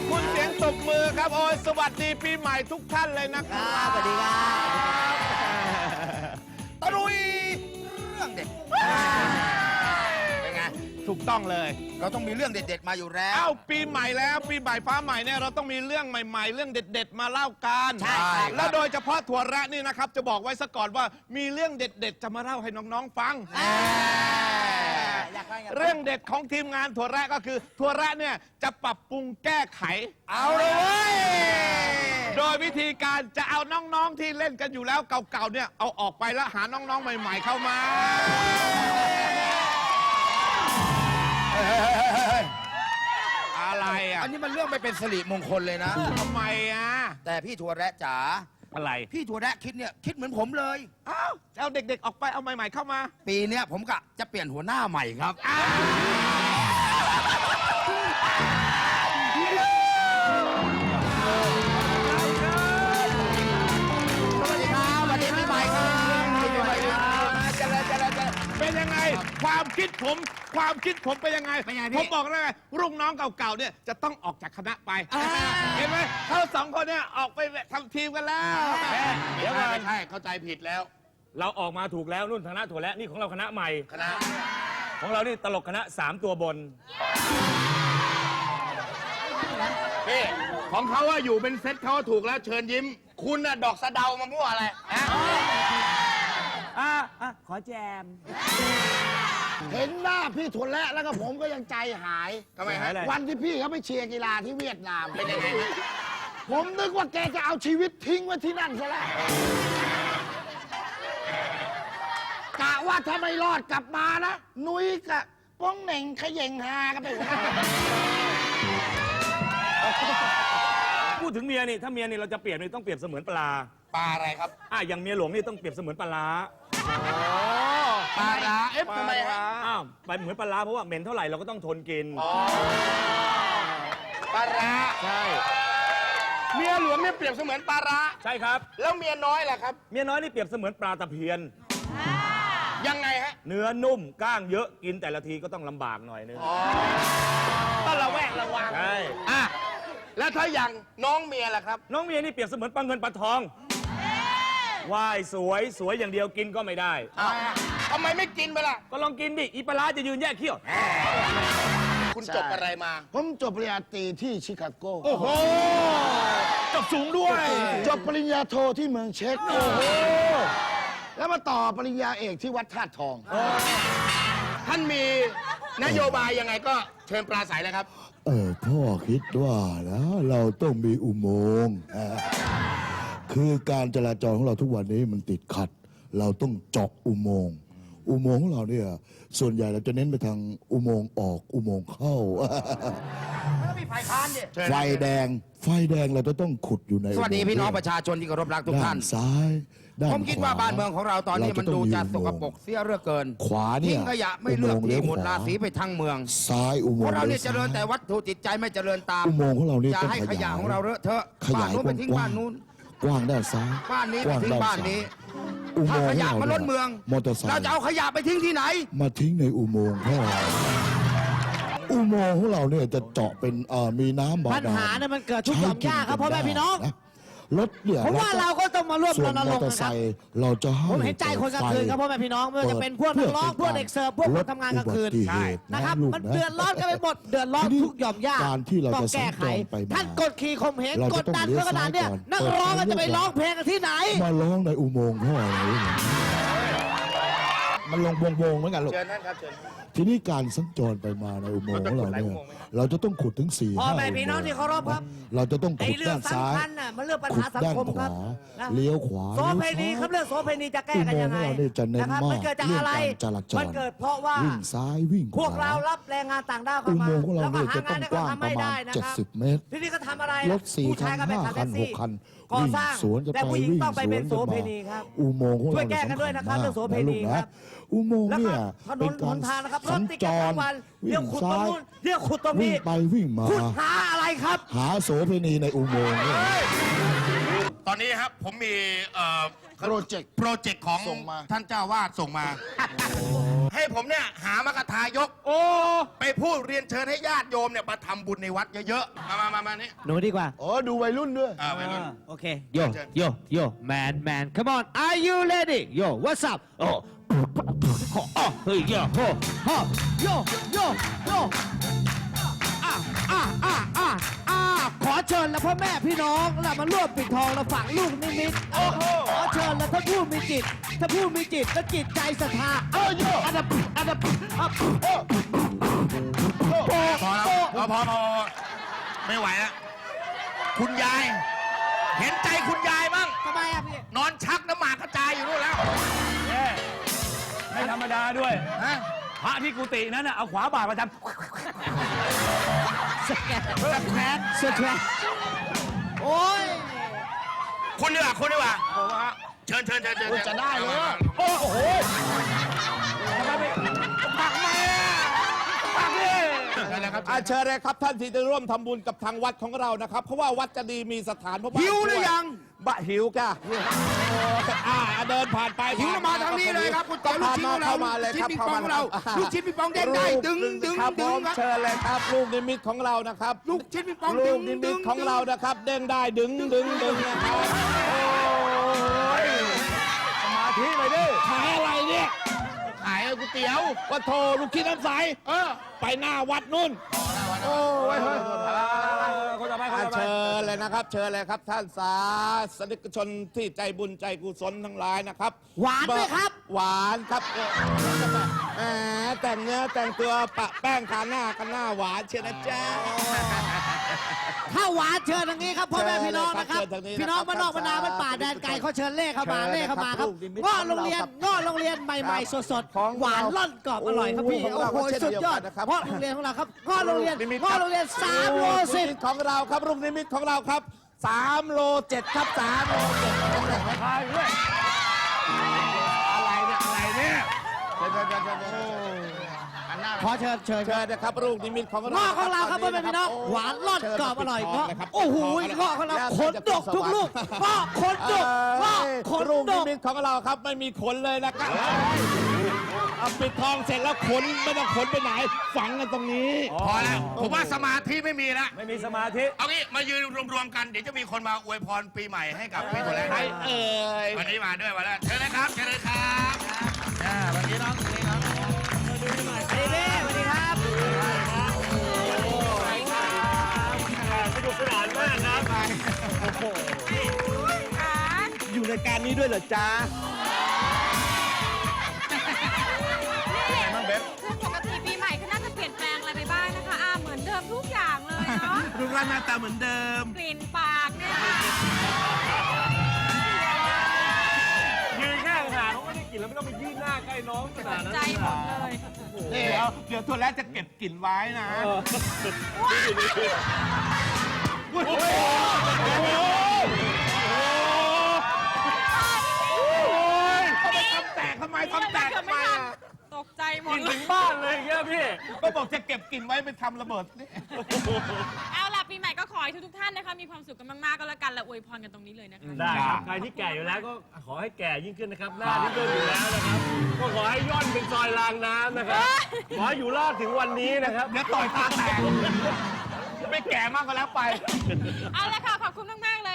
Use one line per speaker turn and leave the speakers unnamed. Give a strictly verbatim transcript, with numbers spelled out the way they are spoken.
อบคุณเสียงตบมือครับโอ้ยสวัสดีปีใหม่ทุกท่านเลยนะครับ
สวัสดีครับ
ตะลุยเรื่องเด็ดเป็นไง
ถูกต้องเลย
เราต้องมีเรื่องเด็ดๆมาอยู่แล้ว
เอ้าปีใหม่แล้วปีใหม่ฟ้าใหม่เนี่ยเราต้องมีเรื่องใหม่ๆ เรื่องเด็ดๆมาเล่ากัน
ใช่ครับ
แล้วโดยเฉพาะถั่วแระนี่นะครับจะบอกไว้ซะก่อนว่ามีเรื่องเด็ดๆจะมาเล่าให้น้องๆฟัง
อยากฟังอยากฟัง
เรื่องเด็ดของทีมงานถั่วแระก็คือถั่วแระเนี่ยจะปรับปรุงแก้ไข
เอาเลยเว้ย
โดยวิธีการจะเอาน้องๆที่เล่นกันอยู่แล้วเก่าๆเนี่ยเอาออกไปแล้วหาน้องๆใหม่ๆเข้ามาอะไรอ่ะ
อันนี้มันเรื่องไม่เป็นสิริมงคลเลยนะ
ทำไมอ่ะ
แต่พี่ถั่วแระจ๋า
อะไร
พี่ถั่วแระคิดเนี่ยคิดเหมือนผมเลย
อ้าวเอาเด็กๆออกไปเอาใหม่ๆเข้ามา
ปีเนี้ยผมกะจะเปลี่ยนหัวหน้าใหม่ครับสวัสดีครับสวัสดีปีใหม่ครับปีใหม่ครับเจริญเจริญเจริญ
เป็นยังไงความคิดผมความคิดผมเป็นยังไง
เป็นไงพี่
ผมบอกแล้วไงรุ่นน้องเก่าๆเนี่ยจะต้องออกจากคณะไปเห็นไหมเขาสองคนเนี่ยออกไปทำทีมกันแล้ว
เดี๋ยวก่อน
ไม่ใช่เข้าใจผิดแล้ว
เราออกมาถูกแล้วนุ่นคณะถั่วและนี่ของเราคณะใหม่
คณะ
ของเรานี่ตลกคณะสามตัวบน
พี่ของเขาว่าอยู่เป็นเซตเขาถูกแล้วเชิญยิ้ม คุณน่ะดอกสะเดามามั่วอะไรฮะ
อ่ะอ่ะขอแจม
เห็นหน้าพี่ถั่วแระแล้วก็ผมก็ยังใจหาย
ทำไมฮะ
อะไร
วันที่พี่เขาไปเชียร์กีฬาที่เวียดนาม
เป็นยังไงฮะ
ผมนึกว่าแกจะเอาชีวิตทิ้งไว้ที่นั่นซะแล้วกะว่าถ้าไม่รอดกลับมานะ นุ้ยกับป้องเหน่งเขย่งฮากันไปหมด
พูดถึงเมียนี่ถ้าเมียนี่เราจะเปรียบนี่ต้องเปรียบเสมือนปลา
ปลาอะไรครับ
อ่ะอย่างเมียหลวงนี่ต้องเปรียบเสมือนปลาร้า
ปลาร้าเอ๊ะทำไมฮะ
อ้าวไปเหมือนปลาร้าเพราะว่าเหม็นเท่าไหร่เราก็ต้องทนกิน
ปลาร้า
ใช่
เมียหลวงเนี่ยเปรียบเสมือนปลาร้า
ใช่ครับ
แล้วเมียน้อยล่ะครับ
เมียน้อยนี่เปรียบเสมือนปลาตะเพียน
ยังไงฮะ
เนื้อนุ่มก้างเยอะกินแต่ละทีก็ต้องลำบากหน่อยนึง
ต้องระแวดระวัง
ใช่
อ่ะแล้วถ้าอย่างน้องเมียล่ะครับ
น้องเมียนี่เปรียบเสมือนปลาเงินปลาทองว่ายสวยสวยอย่างเดียวกินก็ไม่ได้
อ้าวทำไมไม่กินไปล่ะ
ก็ลองกินดิอีปลาร้าจะยืนแยกเขี้ยว
คุณจบอะไรมา
ผมจบปริญญาตรีที่ชิคาโก
โอ้โห
จบสูงด้วย
จบปริญญาโทที่เมืองเช็กโอ้โหแล้วมาต่อปริญญาเอกที่วัดธาตุทอง
ท่านมีนโยบายยังไงก็เชิญปลาใสเลยครับ
เออพ่อคิดว่านะเราต้องมีอุโมงค์อ่าคือการจราจรของเราทุกวันนี้มันติดขัด เราต้องเจาะอุโมงค์อุโมงค์ของเราเนี่ยส่วนใหญ่เราจะเน้นไปทางอุโมงค์ออกอุโมงค์เข้า
แล้วมีฝ่ายค้านเนี่ย
ไฟแดง ไฟแดงเราจะต้องขุดอยู่ใน
สวัสดี
อุโมงค์
พี่น้องประชาชนที่เคารพรักทุกท่าน
ด้ซ้ายด้าน
ผมคิดว่าบ้านเมืองของเราตอนนี้มันดูจะสกปรก
เ
เสียเหลือเกิน
ขวาเนี่ย
ทิ้งขยะไม่เลือก
อุโมงค์
ที่
เลี้ยว
หมด
ขวา
ราศีไปทั้งเมือง
ซ้ายอุโม
พ
ง
วก
ค์
เราเนี่ย
ลี้
เจ
ว
ริญ
ซ้าย
แต่วัตถุจิตใจไม่เจริญตาม
อุโมงค์ของเรานี่
อย่า
ต้อง
ให้
ข
ข
ยาย
ยะของเราเลอะเทอะ
ข
บ้าน
ยาย
นู้นไปทิ้ง
กว้า
บ้าง นนู้น
กว้างด้านซ้าย
บ้านนี้
ก
ไป
ว้าง
ทิ้ง
ด้าน
บ้าน
ซ้าย
นี้
อุโม
ถ้าง
ค์
ข
ของ
ยะ
เรา
มาล้น
เนี่ย
เมือง
มอเตอร์ไซ
เรา
ค์
จะเอาขยะไปทิ้งที่ไหน
มาทิ้งในอุโมงค์พ่ออุโมงค์ของเราเนี่ยจะเจาะเป็นเอ่อมีน้ำบาดาล
ปัญหาเนี่ยมันเกิดทุกหย่อมหญ้าครับพ่อแม่พี่น้อง
ะรถเนี่ย
ผมว่าเราก็ต้องมาร่วม
ส่
ร
วน
ณ
ม
ร
อง
ค์
เตอ
นะ
ร์
ค
ไซ
รับ
ค์เราจะให้
ผมเห็นใจคนกลางคืนครับพ่อแม่พี่น้องไม่ว่าจะเป็นพวกนักร้องพวกเด็กเสิร์ฟพวกคนทำงานกลางคืน
เพื่อเป็นการ
นะครับ
ลดอุบัติเหตุ
มัน
นะ
เดือดร้อนกันไปหมดเดือดร้อนทุกหย่อมหญ้า
การที่เรา
ต้อง
จะ
แก้ไข
สัญจรไปมา
ท่านกดขี่ข่มเหง
เรา
ก
จะ
ด
ต้อง
ดัน
เลี้ยว
เพื่อขนาดเนี้ย
ซ้ายก่อน
นักร้องก็จะไปร้องเพลงกันที่ไหน
มาร้องในอุโมงค์พ่ออะไรเนี่ยมันลงวงๆเหมือนกันลูก
เชิญนั่นครับเชิญ
ทีนี้การสัญจรไปมาในอุโมงค์ของเราเนี่ยเราจะต้องขุดถึงสี่
พ่อ
ห้า
แม่พี่น้องที่เคารพครับ
เราจะต้อง
ไอ้
ขุด
เรื่อง
ด้านซ้า
สำ
ย
คัญน่ะมันเรื่องปัญ
ขุ
หา
ด
สัง
ด้าน
คม
ข
ครั
วา
บนะ
เลี้ยวขวา
โสเพณีครับเรื่องโสเพณีจะแก้กันยังไง
อุโมงค์ของเราเนี่ยจะเน้น
นะครับ
มาก
มันเกิดจากอะไร
เรื่องการจราจร
มันเกิดเพราะว่า
วิ่งซ้ายวิ่งขวา
พวกเรารับแรงงานต่างด้าวเข้า
อุ
มา
โมงค์ของเรา
แล้วก็
เนี่ย
หา
จะ
งา
ต้อน ง
ให้
กว้าง
เขาทำ
ประ
ไม่
มา
ได้
ณ
นะ
เจ็ด
ครับ
สิบเมตร
ทีนี้ก็ทำอะไร
รถสี่
ผู้
คั
ชาย
น
ก็ไป
ห้า
ขับ
คั
แท็
น
ก
ห
ซี่
กคัน
ก่อ
วิ่ง
สร้าง
สวนกัน
แต่
ไป
ผู้หญิง
วิ่ง
ต้องไป
สว
เป็น นโส
กัน
เพ
มา
ณีครับ
อุโมงค์ของ
ช่ว
เรา
ยแก้กันด้วยนะครับ
สำญ
เรื่องโสเพณี
นะลูก
ครั
นะ
บ
อุโมงค์
แล้วก็
เนี่ย
ถน
เป็น
นห
การ
นทางนะครับร
สั
ถ
ญ
ติด
จ
กัน
ร
ทั้งวันเรี
วิ่
ยก
ง
ขุดตรง
ซ้าย
นู้นเรียกขุดตรง
วิ่
นี้
งไปวิ่งมา
ขุดหาอะไรครับ
หาโสเพณีในอุโมงค์เนี่ย
ตอนนี้ครับผมมีเอ่อ
โปรเจกต์
โปรเจกต์ของ
ส่งมา
ท่านเจ้าวาดส่งมา ให้ผมเนี่ยหามกถายก
โอ้
ไปพูดเรียนเชิญให้ญาติโยมเนี่ยมาทำบุญในวัดเยอะๆ มามามามานี่
หนูดีกว่า
อ๋อ ดูวัยรุ่นด้วย
อ่าไปเลย
โอเค โย โย โย man man come on are you ready yo what's up โอ้โอ้เฮ้ย yo โฮโฮ yo yo yo อ่ะอ่ะอ่ะอ่ะอ่ะขอเชิญแล้วพ่อแม่พี่น้องเรามาร่วมปิดทองและฝังลูกนิมิตโอ้โหขอเชิญแล้วถ้าผู้มีจิต ถ้าผู้มีจิตและจิตใจศรัทธาเออโยอันดับอันดับอัพโอ้โอ้
พอแล้วพอพอพอไม่ไหวแล้วคุณยาย เห็นใจคุณยายบ้าง
ทำไมอ่ะพี่
นอนชักน้ำหมากกระจายอยู่นู่นแล้ว
แย่ไม่ธรรมดาด้วย
ฮะ
พระที่กุฏินั้นน่ะเอาขวาบาทมาท
สแกนสแกนสแกนโอ้ย
คุณดีกว่าคุณดีกว่าเชิญเชิญเชิญเชิญ
โอ้ยจะได้เลย
ำโอ้โหทำไมไม่ปักมาปักดิ
เชิญเลยครับ
อาเชิญเลยครับท่านที่จะร่วมทำบุญกับทางวัดของเรานะครับ เพราะว่าวัดจะดีมีสถานพระบาท
หิวหรือยัง
บะหิวก่ะอ่าเดินผ่านไป
หิวแล้วมาทางนี้เลยครับคุณเต๋อลูกชิ้นของเรา
เข้ามาเลยครับ
ลูกชิ้นปิงปองของเราลูกชิ้นปิงปองเด้งได้ดึงดึง
ครับ
ดึ
ผ
ง
ม
ครับ
เชิญเลยครับลูกนิมิตของเรานะครับ
ลูกชิ้นปิงปอง
ลู
ดึ
ก
ง
นิ
ดึ
มิต
ง
ของเรานะครับ เด้งได้ดึงดึงดึงนะครับ
สมาธิหน่อยดิ
ขายอะไรเนี่ย
ขายก๋วยเตี๋ยว
ว่าโทลูกคิดน้ำใส
เออ
ไปหน้าวัดนู่น โอ้ย
คนต่อไปคน
อ่า
ต่อไป
เชิญเลยนะครับ เชิญเลยครับ ท่านสาสนิกชนที่ใจบุญใจกุศลทั้งหลายนะครับ
หวานไหมครับ
หวานครับแหมแต่งเนื้อแต่งตัวปะแป้งทาหน้ากันหน้าหวานเชียวนะจ๊ะ
ถ้าหวานเชิญทางนี้ครับพ่อแม่พี่น้องนะครับ
เชิญทางนี้นะครับ
พี่น้องบ้านนอกบ้านนาบ้านป่าแดนไกลเขาเชิญเล่เข้ามา
เชิญ
เล่เข้ามาครับ
ลูกนิมิต
ง้อโรงเรียน
ของเราครับ
ง้อโรงเรียนใหม่ๆสด
ของ
ๆหวานล่อนกรอบอร่อยครับพี่
ของ
โอ้
เรา
โห
ก็เช่น
สุดยอด
เดียวกันนะครับ
เพราะโรงเรียนของเราครับง้อโรงเรียน
นิมิต
ง้อโรงเรียนสามโลสิบ
ลูกนิมิตของเราครับลูกนิมิตของเราครับสามโลเจ็ดครับสามโลเจ็ด
พายด้วย
อะไรเนี่ยอะไรเนี่ยเชิญเชิญเชิญเชิญเชิญหันหน้า
ขอเชิญเชิญค
เชิ
รับ
ญนะครับลูกนิมิตของเรา
ง้อของเราครับพ่อแม่พี่น้องหวานล่อนกรอบอร่อยเงาะโอ้โหเงาะของเราขนดกทุกลูกเงาะขนดกเงาะขน
ลูก
ด
นิ
ก
มิตของเราครับไม่มีขนเลยนะครับเอาปิดทองเสร็จแล้วขนไม่ต้องขนไปไหน ฝังกันตรงนี้
พอแล้ว ผมว่าสมาธิไม่มีแล้ว
ไม่มีสมาธิ
เอางี้มายืนรวมๆกัน เดี๋ยวจะมีคนมาอวยพรปีใหม่ให้กับพี่ตัวแรก
ใครเอ่ย
วันนี้มาด้วยวันแล้วเชิญเลยครับเชิญเลยครับอ่าวันนี้น้องวันนี้น้อง
สวัสดีเบ้สวัสดีครับ
สนุกสนานมากนะ
อยู่ในการนี้ด้วยเหรอจ๊ะ
คือปกติปีใหม่ก็น่าจะเปลี่ยนแปลงอะไรไปบ้างนะคะอาเหมือนเดิมทุกอย่างเลยเนาะ
รูปร่างหน้าตาเหมือนเดิม
กลิ่นปากเนี่ยค่ะ
ยืนข้างหาเขาไม่ได้กินแล้วไม่ต้องไปยื่นหน้าใกล้น้องขนาดนั้น
ใจหมดเลย
เดี๋ยวเดี๋ยวตัวแรกจะเก็บกลิ่นไว้นะ
โอ้โห
เขาไปทำแตกทำไมทำแตกทำไมอ่ะ
ตกใจหม
กิ
ด
น
เล
ถึ
ย
งบ้านเลยอย่างเงี้ยพี่
ก็บอกจะเก็บกลิ่นไว้ไปทำระเบิดนี่
เอาล่ะปีใหม่ก็ขอให้ทุกๆท่านนะคะมีความสุขกันมากๆก็แล้วกันและอวยพรกันตรงนี้เลยนะคะ
ได้ครับ ใครที่แก่อยู่แล้วก็ขอให้แก่ยิ่งขึ้นนะครับ หน้าที่ย่นอยู่แล้วนะครับ ก็ขอให้ย่อนเป็นซอยรางน้ำนะครับ ขอให้อยู่รอดถึงวันนี้นะครับ
เดี๋ยวต่อยตาแตกไม่แก่มากก็แล้วไป
เอาละค่ะขอบคุณมากๆเลย